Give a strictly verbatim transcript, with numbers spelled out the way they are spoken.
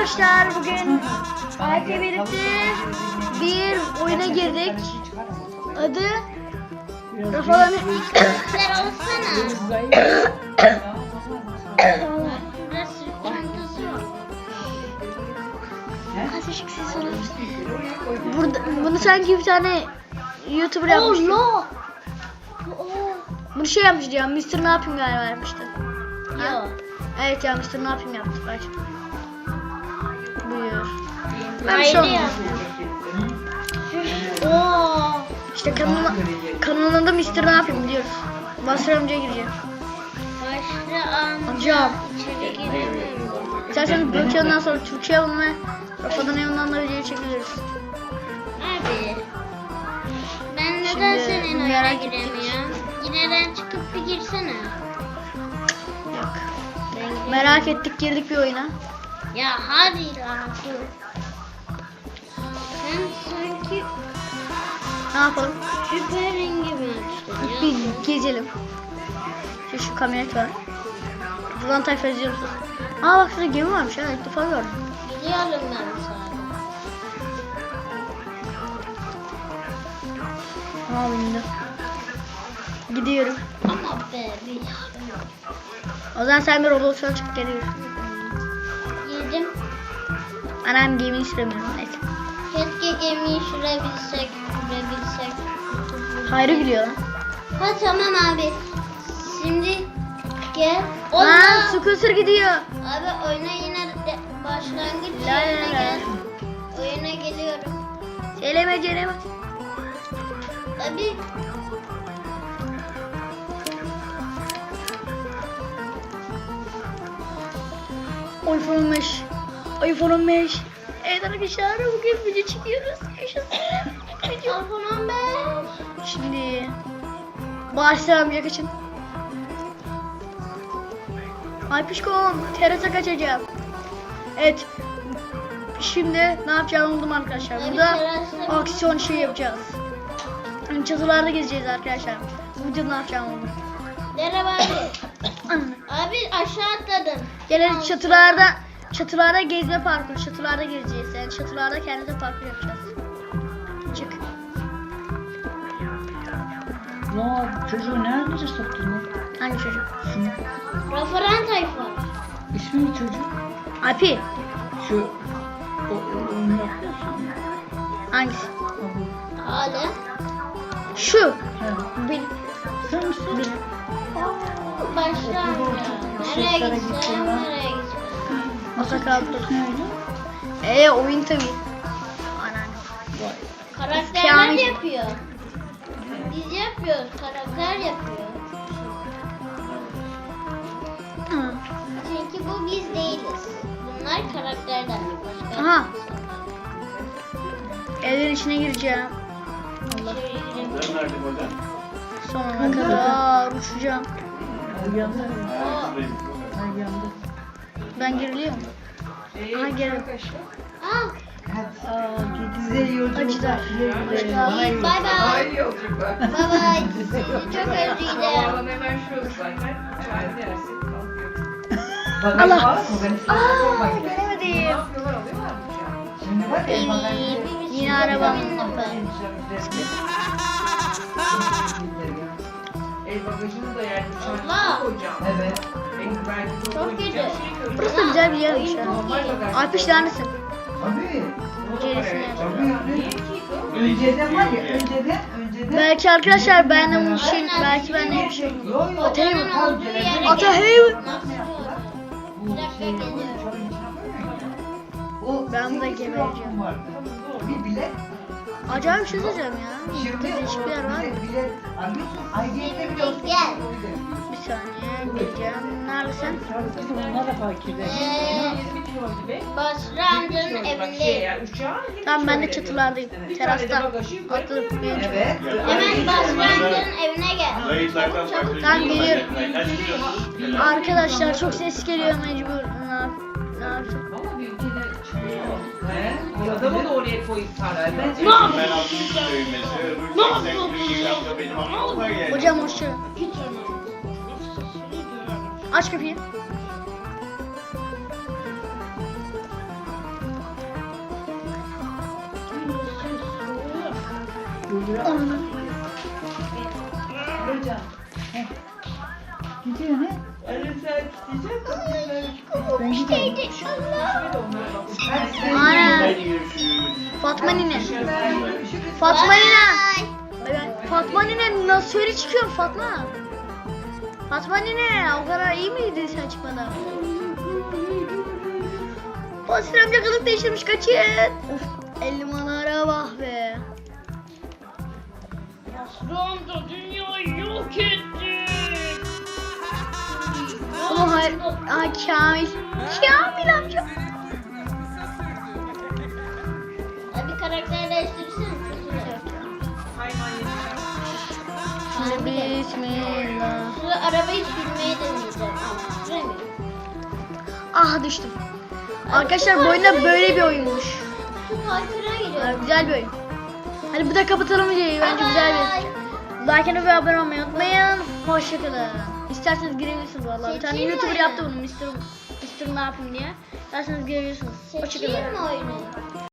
arkadaşlar, bugün Alp'le birlikte bir oyuna girdik. Adı Rafaların Sen olsana. Burada sürü çantası var. Azıcık ses alır mısın? Burada, bunu sanki bir tane YouTuber yapmıştı. Oh, Bunu şey yapmıştı ya, mister Ne Yapayım galiba yapmıştı. Yok. Evet ya, mister Ne Yapayım yaptı. Bak. Buyur. Ben bir Haydi şey olmaz. ya. Oo. İşte kanalına, kanalında mister Ne Yapayım diyoruz. Basri amcaya gireceğim. Başlı amca. Amcam. İçeri giremiyorum. İsterseniz Brokeon'dan sonra Türkiye Havunu ve Rafa'dan Evinden da video çekiliriz. Abi. Ben neden Şimdi senin oyuna merak ettik. giremiyorum? Yineden çıkıp bir girsene. Yok. Ben gireyim. Merak ettik, girdik bir oyuna. Ya hadi lan dur. Sen sanki Ne yapalım? süperin gibi açtın ya. Bir gezelim. Şu, şu kamyonet var. Buradan tayfa izliyoruz. Aa bak şurada gemi varmış ha, ilk defa gördüm. Biliyorum ben sana. Aa bindi. Gidiyorum. Ama be bir O zaman sen bir Roblox'a çık geliyorsun. girdim. Anam gemiyi süremiyorum. Neyse. Keşke gemiyi sürebilsek, sürebilsek. Hayrı biliyor lan. Ha tamam abi. Şimdi gel. Aa Allah. scooter gidiyor. Abi oyuna yine de başlangıç La la yerine la. gel. Oyuna geliyorum. Söyleme canım. Abi iPhone on beş. iPhone on beş. Evet arkadaşlar, bugün video çekiyoruz. Yaşasın. iPhone on beş. Şimdi başlayalım ya, kaçın. Ay pişkom, terasa kaçacağım. Evet. Şimdi ne yapacağımı buldum arkadaşlar. Abi Burada terasta- aksiyon şey yapacağız. Yani çatılarda gezeceğiz arkadaşlar. Bu videoda ne yapacağımı buldum. Merhaba abi. Abi aşağı atladım. Gelelim çatılarda, çatılarda gezme parkuru. Çatılarda gezeceğiz. Yani çatılarda kendimize parkur yapacağız. Çık. Ya çocuğu nerede soktun lan? Hangi çocuk? Şunu. Rafaran tayfa. İsmi ne çocuk? Alpi. Şu o, o, onu yapıyorsun. Hangisi? Abi. Hadi. Şu. He. Benim. Sen misin? Benim. Başla amca. Nereye gitsin? Nereye gitsin? Atakaldı. Ne oldu? Eee oyun tabii. Anneanne. Vay. Karakterler Kamil. yapıyor. Biz yapıyoruz. Karakter yapıyor. Hı. Çünkü bu biz değiliz. Bunlar karakterler. Başka Aha. insanlar. Evlerin içine gireceğim. Şöyle girelim. Sonuna kadar uçacağım. Ay yandı. Oo. Ay yandı. Ben giriliyorum. Aha geliyorum. Aa, Aa, size yolculuk. Acılar. Bye bye. Bye bye. Sizi çok özledim. Hemen şurası zaten. Çay dersin. Allah. Aa, Aa gelemedim. Şimdi bak İyi, bir Yine arabam. el bagajını da yani Allah. uçağına koyacağım. Evet. Çok kötü. Burası da güzel bir yermiş ya. Alpiş neredesin? Tabii. Cerisine. Tabii. Önceden var ya, önceden, önceden. Belki arkadaşlar ben de bunu şey, belki ben de bir şey. Yo yo. Atayım Odanın mı? olduğu yere Ata gel. hey. Nasıl olur? Bir dakika geliyorum. O Ben burada sekiz gebereceğim. lokma vardı. Bir bilet. Acayip bir şey söyleyeceğim ya. Burada Şimdi değişik o bir yer var mı? bilet, bilet alıyorsun. Ayrıyete bile olsun. Gel. Bir saniye geleceğim. Neredesin? Kızım onlar da fakirler. Ee, Basra amcanın evindeyim. Tamam ben de çatılardayım. Terasta. Atladım. Benim çok- Evet. Hemen Basra amcanın evine gel. Çabuk çabuk. Tamam geliyorum. Arkadaşlar çok ses geliyor mecbur. Ne yap- ne yapacağım? Ama bir ülkede He? Adamı da oraya koyup tartıyor. Hocam hoşça. Aç kapıyı. Hocam. Heh. Gidiyor ne? Ali sen isteyecek Ben gidiyorum. Ana. Hadi görüşürüz. Fatma nine. Fatma nine. Bay bay. Fatma nine nasıl öyle çıkıyorsun Fatma? Fatma nine o kadar iyi miydin sen çıkmadan? Basri amca kılık değiştirmiş kaçın. Of elmalara bak be. Aslan da dünyayı yok etti. Oğlum hayır. Aa Kamil. Kamil amca. Ya bir karakter değiştirsene. hayvan yetişen. Şimdi bismillah. Şurada arabayı sürmeye deneyeceğim ama süremiyorum. Ah düştüm. Arkadaşlar bu oyunda böyle bir oyunmuş. Şu kaykıra Aa, giriyorum. güzel bir oyun. Hadi bu da kapatalım videoyu. Bence güzel bir. Like ve abone olmayı unutmayın. Hoşçakalın. İsterseniz girebilirsiniz vallahi. Bir tane Seçeyim mi YouTuber oyunu? yaptı bunu. Mister Mister ne yapayım diye. İsterseniz girebilirsiniz. Seçeyim Hoşçakalın. mi oyunu?